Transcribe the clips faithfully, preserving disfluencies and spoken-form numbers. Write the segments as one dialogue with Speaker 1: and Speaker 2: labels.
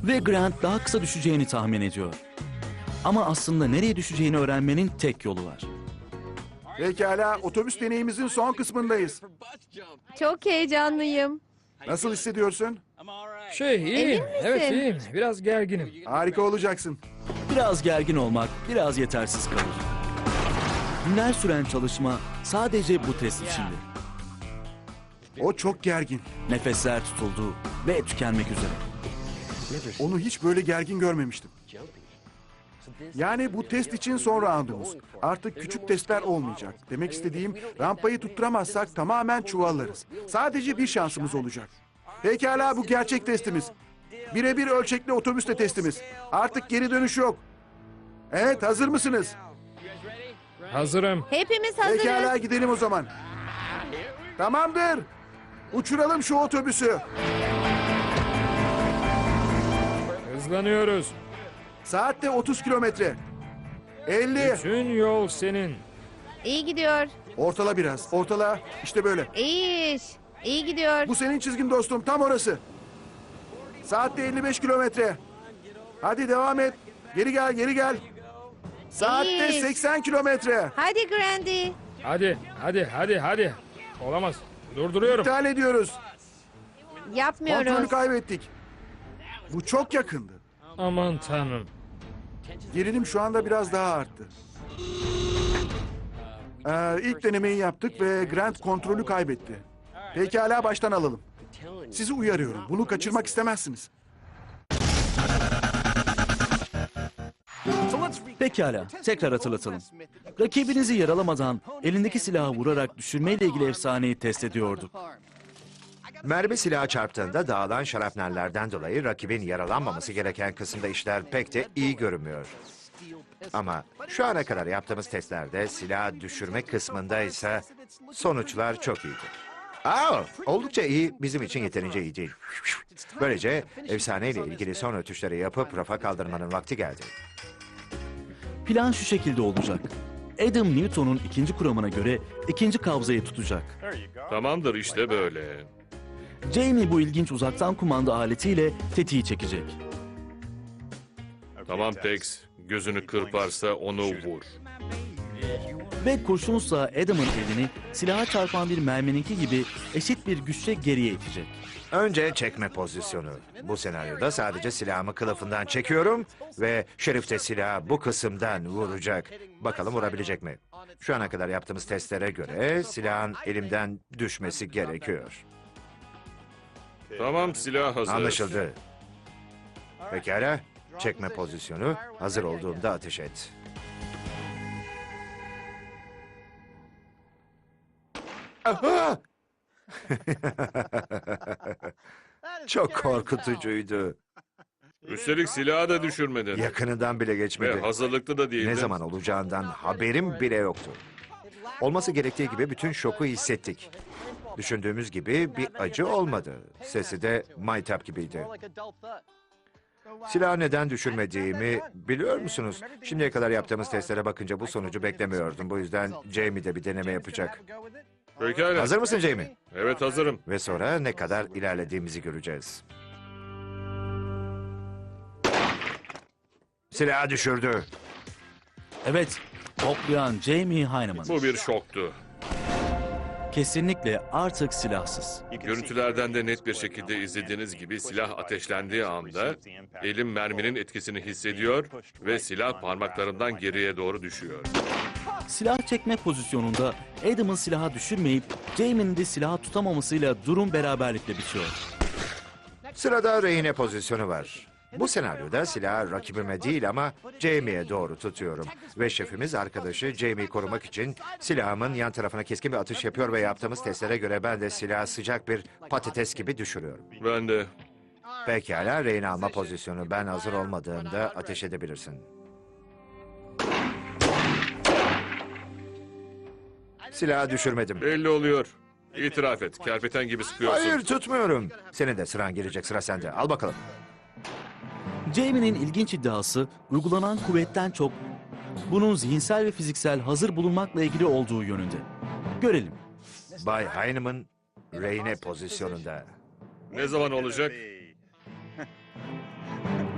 Speaker 1: Ve Grant daha kısa düşeceğini tahmin ediyor. Ama aslında nereye düşeceğini öğrenmenin tek yolu var.
Speaker 2: Pekala, otobüs deneyimizin son kısmındayız.
Speaker 3: Çok heyecanlıyım.
Speaker 2: Nasıl hissediyorsun?
Speaker 4: Şey iyiyim.
Speaker 3: Emin misin?
Speaker 4: Evet iyiyim. Biraz gerginim.
Speaker 2: Harika olacaksın.
Speaker 1: Biraz gergin olmak biraz yetersiz kalır. Günler süren çalışma sadece bu test içindi.
Speaker 2: O çok gergin.
Speaker 1: Nefesler tutuldu ve tükenmek üzere.
Speaker 2: Onu hiç böyle gergin görmemiştim. Yani bu test için son roundumuz. Artık küçük testler olmayacak. Demek istediğim, rampayı tutturamazsak tamamen çuvallarız. Sadece bir şansımız olacak. Pekala, bu gerçek testimiz. Birebir ölçekli otobüsle testimiz. Artık geri dönüş yok. Evet, hazır mısınız?
Speaker 4: Hazırım.
Speaker 3: Hepimiz hazırız.
Speaker 2: Pekala, gidelim o zaman. Tamamdır. Uçuralım şu otobüsü.
Speaker 4: Hızlanıyoruz.
Speaker 2: Saatte otuz kilometre. elli.
Speaker 4: Bütün yol senin.
Speaker 3: İyi gidiyor.
Speaker 2: Ortala biraz. Ortala. İşte böyle.
Speaker 3: İyi iş. İyi gidiyor.
Speaker 2: Bu senin çizgin dostum. Tam orası. Saatte elli beş kilometre. Hadi devam et. Geri gel, geri gel. Saatte
Speaker 3: İyi.
Speaker 2: seksen kilometre.
Speaker 3: Hadi Grandy.
Speaker 4: Hadi, hadi, hadi, hadi. Olamaz. Durduruyorum.
Speaker 2: İptal ediyoruz.
Speaker 3: Yapmıyoruz.
Speaker 2: Kontrolü kaybettik. Bu çok yakındı.
Speaker 4: Aman tanrım.
Speaker 2: Gerilim şu anda biraz daha arttı. Ee, ilk denemeyi yaptık ve Grant kontrolü kaybetti. Pekala, baştan alalım. Sizi uyarıyorum. Bunu kaçırmak istemezsiniz.
Speaker 1: Pekala, tekrar hatırlatalım. Rakibinizi yaralamadan elindeki silahı vurarak düşürmeyle ilgili efsaneyi test ediyorduk.
Speaker 5: Mermi silaha çarptığında dağılan şarapnellerden dolayı rakibin yaralanmaması gereken kısımda işler pek de iyi görünmüyor. Ama şu ana kadar yaptığımız testlerde silah düşürme kısmında ise sonuçlar çok iyiydi. Aa, oldukça iyi, bizim için yeterince iyi değil. Böylece efsaneyle ilgili son ötüşleri yapıp rafa kaldırmanın vakti geldi.
Speaker 1: Plan şu şekilde olacak. Adam Newton'un ikinci kuramına göre ikinci kabzayı tutacak.
Speaker 6: Tamamdır işte böyle.
Speaker 1: Jamie bu ilginç uzaktan kumanda aletiyle tetiği çekecek.
Speaker 6: Tamam Tex. Gözünü kırparsa onu vur.
Speaker 1: Ve kurşunsa Adam'ın elini silaha çarpan bir mermininki gibi eşit bir güçle geriye itecek.
Speaker 5: Önce çekme pozisyonu. Bu senaryoda sadece silahımı kılıfından çekiyorum ve Şerif de silahı bu kısımdan vuracak. Bakalım vurabilecek mi? Şu ana kadar yaptığımız testlere göre silahın elimden düşmesi gerekiyor.
Speaker 6: Tamam silah hazır.
Speaker 5: Anlaşıldı. Pekala. Çekme pozisyonu. Hazır olduğunda ateş et. Aha! Çok korkutucuydu.
Speaker 6: Üstelik silahı da düşürmedin.
Speaker 5: Yakınından bile
Speaker 6: Ve
Speaker 5: geçmedi.
Speaker 6: hazırlıklı da değildin.
Speaker 5: Ne zaman olacağından haberim bile yoktu. Olması gerektiği gibi bütün şoku hissettik. Düşündüğümüz gibi bir acı olmadı. Sesi de maytap gibiydi. Silahı neden düşürmediğimi biliyor musunuz? Şimdiye kadar yaptığımız testlere bakınca bu sonucu beklemiyordum. Bu yüzden Jamie de bir deneme yapacak.
Speaker 6: Pekala.
Speaker 5: Hazır mısın Jamie?
Speaker 6: Evet hazırım.
Speaker 5: Ve sonra ne kadar ilerlediğimizi göreceğiz. Silahı düşürdü.
Speaker 1: Evet, toplayan Jamie Heineman.
Speaker 6: Bu bir şoktu.
Speaker 1: Kesinlikle artık silahsız.
Speaker 6: Görüntülerden de net bir şekilde izlediğiniz gibi silah ateşlendiği anda elim merminin etkisini hissediyor ve silah parmaklarımdan geriye doğru düşüyor.
Speaker 1: Silah çekme pozisyonunda Adam'ın silahı düşürmeyip Jamie'nin de silahı tutamamasıyla durum beraberlikle bitiyor.
Speaker 5: Sırada rehine pozisyonu var. Bu senaryoda silahı rakibime değil ama Jamie'ye doğru tutuyorum. Ve şefimiz arkadaşı Jamie'yi korumak için silahımın yan tarafına keskin bir atış yapıyor ve yaptığımız testlere göre ben de silahı sıcak bir patates gibi düşürüyorum.
Speaker 6: Ben de.
Speaker 5: Pekala, rehin alma pozisyonu. Ben hazır olmadığımda ateş edebilirsin. Silahı düşürmedim.
Speaker 6: Belli oluyor. İtiraf et. Kerpeten gibi sıkıyorsun.
Speaker 5: Hayır, tutmuyorum. Senin de sıran gelecek, sıra sende. Al bakalım.
Speaker 1: Jamie'nin ilginç iddiası uygulanan kuvvetten çok bunun zihinsel ve fiziksel hazır bulunmakla ilgili olduğu yönünde. Görelim.
Speaker 5: Bay Heineman rehine pozisyonunda.
Speaker 6: Ne zaman olacak?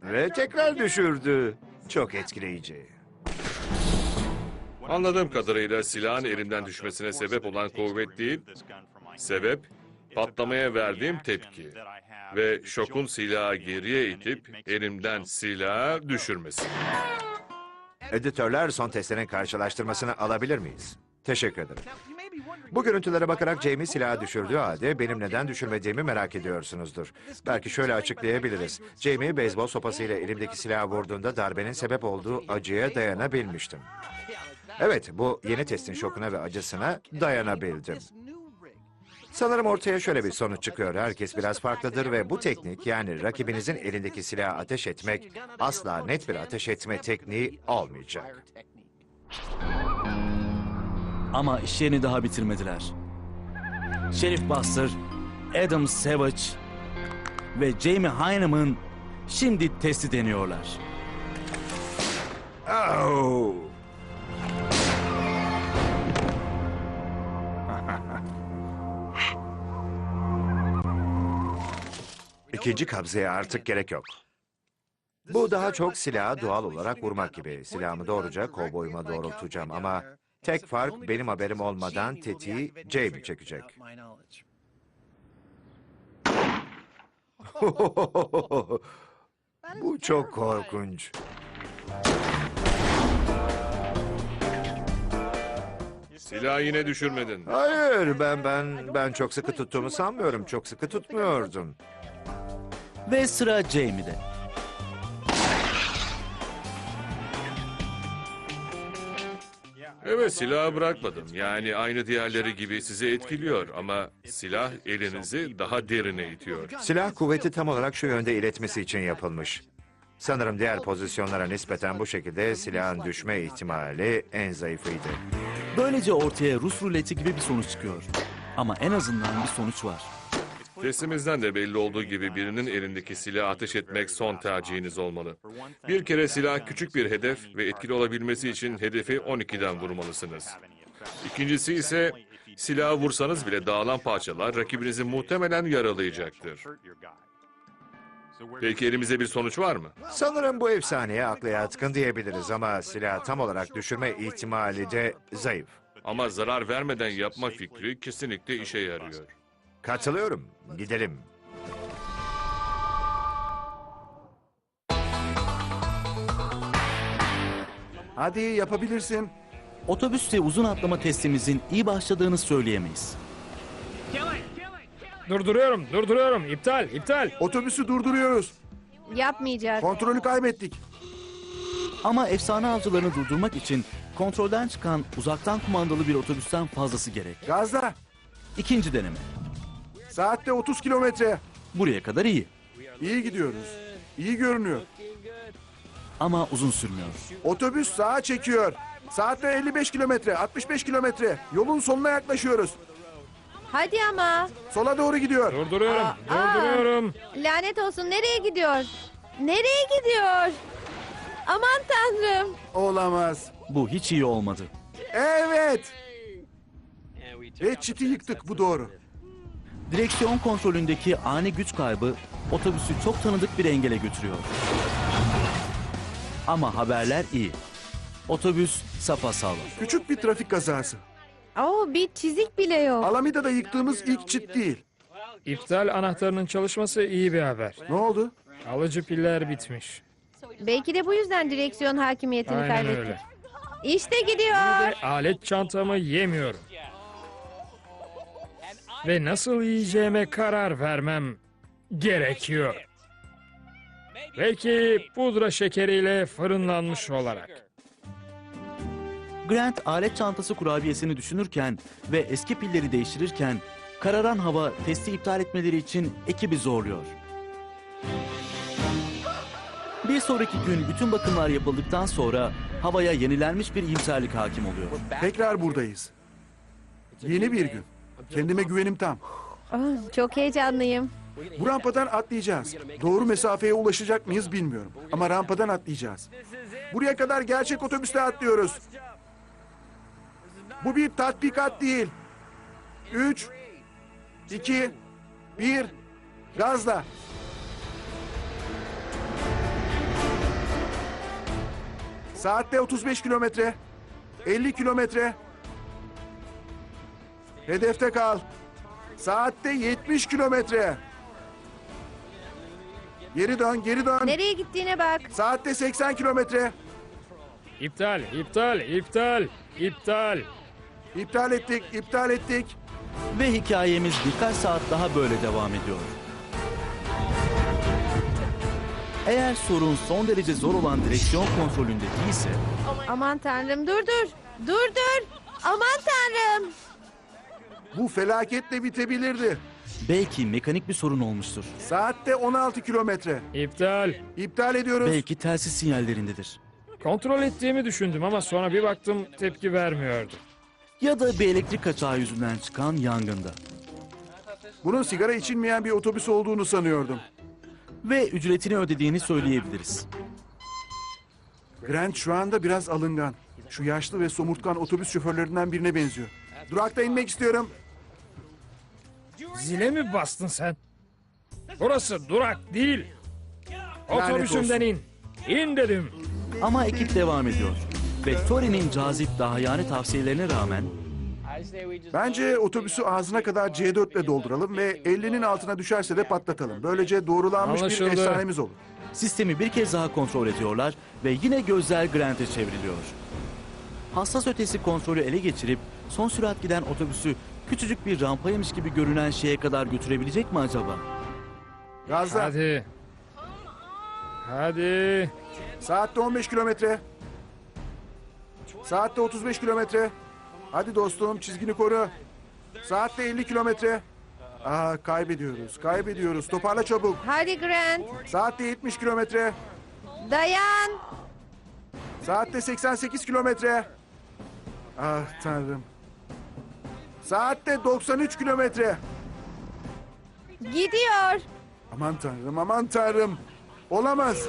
Speaker 5: Ve tekrar düşürdü. Çok etkileyici.
Speaker 6: Anladığım kadarıyla silahın elimden düşmesine sebep olan kuvvet değil, sebep patlamaya verdiğim tepki ve şokun silahı geriye itip elimden silahı düşürmesi.
Speaker 5: Editörler son testlerin karşılaştırmasını alabilir miyiz? Teşekkür ederim. Bu görüntülere bakarak Jamie silahı düşürdüğü halde benim neden düşürmediğimi merak ediyorsunuzdur. Belki şöyle açıklayabiliriz. Jamie beyzbol sopasıyla elimdeki silahı vurduğunda darbenin sebep olduğu acıya dayanabilmiştim. Evet, bu yeni testin şokuna ve acısına dayanabildim. Sanırım ortaya şöyle bir sonuç çıkıyor. Herkes biraz farklıdır ve bu teknik, yani rakibinizin elindeki silahı ateş etmek, asla net bir ateş etme tekniği olmayacak.
Speaker 1: Ama işlerini daha bitirmediler. Sheriff Buster, Adam Savage ve Jamie Hyneman şimdi testi deniyorlar.
Speaker 5: Oh! İkinci kabzaya artık gerek yok. Bu daha çok silahı doğal olarak vurmak gibi. Silahımı doğruca kovboyuma doğrultacağım ama tek fark benim haberim olmadan tetiği Jamie çekecek. Bu çok korkunç.
Speaker 6: Silahı yine düşürmedin.
Speaker 5: Hayır, ben ben ben çok sıkı tuttuğumu sanmıyorum. Çok sıkı tutmuyordum.
Speaker 1: Ve sıra Jamie'de.
Speaker 6: Evet, silahı bırakmadım. Yani aynı diğerleri gibi sizi etkiliyor ama silah elinizi daha derine itiyor.
Speaker 5: Silah kuvveti tam olarak şu yönde iletmesi için yapılmış. Sanırım diğer pozisyonlara nispeten bu şekilde silahın düşme ihtimali en zayıfıydı.
Speaker 1: Böylece ortaya Rus ruleti gibi bir sonuç çıkıyor. Ama en azından bir sonuç var.
Speaker 6: Testimizden de belli olduğu gibi birinin elindeki silahı ateş etmek son tercihiniz olmalı. Bir kere silah küçük bir hedef ve etkili olabilmesi için hedefi on ikiden vurmalısınız. İkincisi ise silahı vursanız bile dağılan parçalar rakibinizi muhtemelen yaralayacaktır. Peki elimizde bir sonuç var mı?
Speaker 5: Sanırım bu efsaneye akla yatkın diyebiliriz ama silahı tam olarak düşürme ihtimali de zayıf.
Speaker 6: Ama zarar vermeden yapma fikri kesinlikle işe yarıyor.
Speaker 5: Katılıyorum. Gidelim.
Speaker 2: Hadi yapabilirsin.
Speaker 1: Otobüste uzun atlama testimizin iyi başladığını söyleyemeyiz.
Speaker 4: Durduruyorum, durduruyorum. İptal, iptal.
Speaker 2: Otobüsü durduruyoruz.
Speaker 3: Yapmayacak.
Speaker 2: Kontrolü kaybettik.
Speaker 1: Ama efsane avcılarını durdurmak için kontrolden çıkan uzaktan kumandalı bir otobüsten fazlası gerek.
Speaker 2: Gazla.
Speaker 1: İkinci deneme.
Speaker 2: Saatte otuz kilometre.
Speaker 1: Buraya kadar iyi.
Speaker 2: İyi gidiyoruz. İyi görünüyor.
Speaker 1: Ama uzun sürmüyor.
Speaker 2: Otobüs sağa çekiyor. Saatte elli beş kilometre, altmış beş kilometre. Yolun sonuna yaklaşıyoruz.
Speaker 3: Hadi ama.
Speaker 2: Sola doğru gidiyor.
Speaker 4: Durduruyorum,
Speaker 3: Aa,
Speaker 4: durduruyorum.
Speaker 3: Lanet olsun, nereye gidiyor? Nereye gidiyor? Aman tanrım.
Speaker 2: Olamaz.
Speaker 1: Bu hiç iyi olmadı.
Speaker 2: Evet. Ve çiti yıktık, bu doğru.
Speaker 1: Direksiyon kontrolündeki ani güç kaybı otobüsü çok tanıdık bir engele götürüyor. Ama haberler iyi. Otobüs sapasağlam.
Speaker 2: Küçük bir trafik kazası.
Speaker 3: Oo, bir çizik bile yok.
Speaker 2: Alameda'da yıktığımız ilk çit değil.
Speaker 4: İptal anahtarının çalışması iyi bir haber.
Speaker 2: Ne oldu?
Speaker 4: Alıcı piller bitmiş.
Speaker 3: Belki de bu yüzden direksiyon hakimiyetini
Speaker 4: Aynen
Speaker 3: kaybetti.
Speaker 4: öyle.
Speaker 3: İşte gidiyor.
Speaker 4: Ve alet çantamı yemiyorum. Ve nasıl yiyeceğime karar vermem gerekiyor. Belki pudra şekeriyle fırınlanmış olarak.
Speaker 1: Grant alet çantası kurabiyesini düşünürken ve eski pilleri değiştirirken kararan hava testi iptal etmeleri için ekibi zorluyor. Bir sonraki gün bütün bakımlar yapıldıktan sonra havaya yenilenmiş bir iyimserlik hakim oluyor.
Speaker 2: Tekrar buradayız. Yeni bir gün. Kendime güvenim tam.
Speaker 3: Oh, çok heyecanlıyım.
Speaker 2: Bu rampadan atlayacağız. Doğru mesafeye ulaşacak mıyız bilmiyorum. Ama rampadan atlayacağız. Buraya kadar gerçek otobüste atlıyoruz. Bu bir tatbikat değil. Üç, iki, bir, gazla. Saatte otuz beş kilometre. elli kilometre. Hedefte kal. Saatte yetmiş kilometre. Geri dön, geri dön.
Speaker 3: Nereye gittiğine bak.
Speaker 2: Saatte seksen kilometre.
Speaker 4: İptal, iptal, iptal, iptal.
Speaker 2: İptal ettik, iptal ettik.
Speaker 1: Ve hikayemiz birkaç saat daha böyle devam ediyor. Eğer sorun son derece zor olan direksiyon kontrolünde değilse,
Speaker 3: Aman tanrım dur dur. Dur dur. Aman tanrım.
Speaker 2: Bu felaketle bitebilirdi.
Speaker 1: belki mekanik bir sorun olmuştur.
Speaker 2: Saatte on altı kilometre.
Speaker 4: İptal.
Speaker 2: İptal ediyoruz.
Speaker 1: Belki telsiz sinyallerindedir.
Speaker 4: Kontrol ettiğimi düşündüm ama sonra bir baktım tepki vermiyordu.
Speaker 1: Ya da bir elektrik kaçağı yüzünden çıkan yangında.
Speaker 2: Bunun sigara içilmeyen bir otobüs olduğunu sanıyordum.
Speaker 1: Ve ücretini ödediğini söyleyebiliriz.
Speaker 2: Grant şu anda biraz alıngan. Şu yaşlı ve somurtkan otobüs şoförlerinden birine benziyor. Durakta inmek istiyorum.
Speaker 4: Zile mi bastın sen? Burası durak değil. Otobüsümden in. İn dedim.
Speaker 1: Ama ekip devam ediyor. Ve Tori'nin cazip dahiyane tavsiyelerine rağmen
Speaker 2: Bence otobüsü ağzına kadar C dört ile dolduralım ve ellinin altına düşerse de patlatalım. Böylece doğrulanmış bir
Speaker 4: Anlaşıldı.
Speaker 2: efsanemiz olur.
Speaker 1: sistemi bir kez daha kontrol ediyorlar ve yine gözler Grant'e çevriliyor. Hassas ötesi kontrolü ele geçirip son sürat giden otobüsü küçücük bir rampaymış gibi görünen şeye kadar götürebilecek mi acaba?
Speaker 2: Gazla.
Speaker 4: Hadi. Hadi.
Speaker 2: Saatte on beş kilometre. Saatte otuz beş kilometre. Hadi dostum, çizgini koru. Saatte elli kilometre. Aa, kaybediyoruz, kaybediyoruz. Toparla çabuk.
Speaker 3: Hadi Grant.
Speaker 2: Saatte yetmiş kilometre.
Speaker 3: Dayan.
Speaker 2: Saatte seksen sekiz kilometre. Ah tanrım. Saatte doksan üç kilometre.
Speaker 3: Gidiyor.
Speaker 2: Aman tanrım, aman tanrım. Olamaz.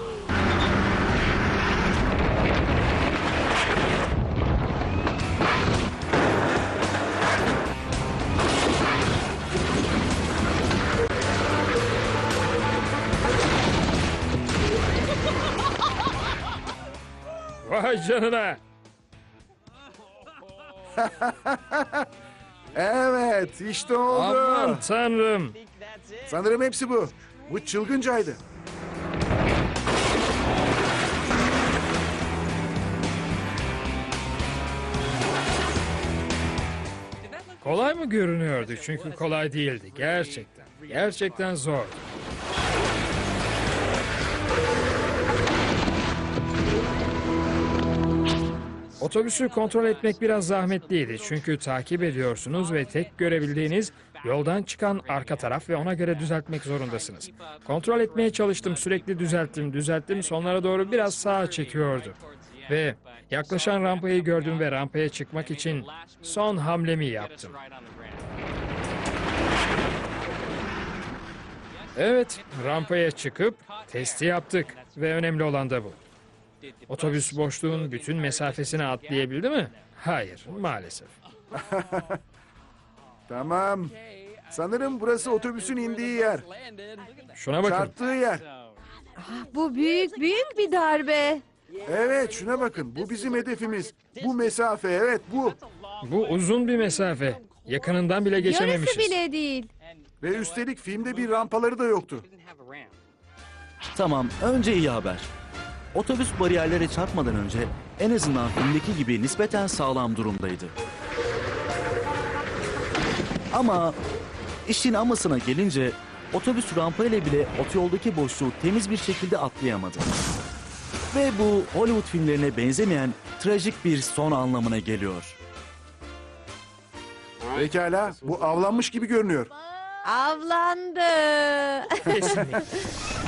Speaker 4: Vay canına.
Speaker 2: Evet, işte oldu.
Speaker 4: Aman tanrım.
Speaker 2: Sanırım hepsi bu. Bu çılgıncaydı.
Speaker 4: Kolay mı görünüyordu? Çünkü kolay değildi. Gerçekten. Gerçekten zor. Otobüsü kontrol etmek biraz zahmetliydi. Çünkü takip ediyorsunuz ve tek görebildiğiniz yoldan çıkan arka taraf ve ona göre düzeltmek zorundasınız. Kontrol etmeye çalıştım, sürekli düzelttim, düzelttim. Sonlara doğru biraz sağa çekiyordu. Ve yaklaşan rampayı gördüm ve rampaya çıkmak için son hamlemi yaptım. Evet, rampaya çıkıp testi yaptık ve önemli olan da bu. Otobüs boşluğun bütün mesafesini atlayabildi mi? Hayır, maalesef.
Speaker 2: Tamam. Sanırım burası otobüsün indiği yer.
Speaker 4: Şuna bakın.
Speaker 2: Çarptığı yer.
Speaker 3: Bu büyük büyük bir darbe.
Speaker 2: Evet, şuna bakın. Bu bizim hedefimiz. Bu mesafe, evet bu.
Speaker 4: Bu uzun bir mesafe. Yakınından bile
Speaker 3: Yarısı
Speaker 4: geçememişiz.
Speaker 3: bile değil.
Speaker 2: Ve üstelik filmde bir rampaları da yoktu.
Speaker 1: Tamam, önce iyi haber. Otobüs bariyerlere çarpmadan önce en azından filmdeki gibi nispeten sağlam durumdaydı. Ama işin amasına gelince otobüs rampayla bile otoyoldaki boşluğu temiz bir şekilde atlayamadı. Ve bu Hollywood filmlerine benzemeyen trajik bir son anlamına geliyor.
Speaker 2: Pekala, bu avlanmış gibi görünüyor.
Speaker 3: Avlandı.
Speaker 4: Kesinlikle.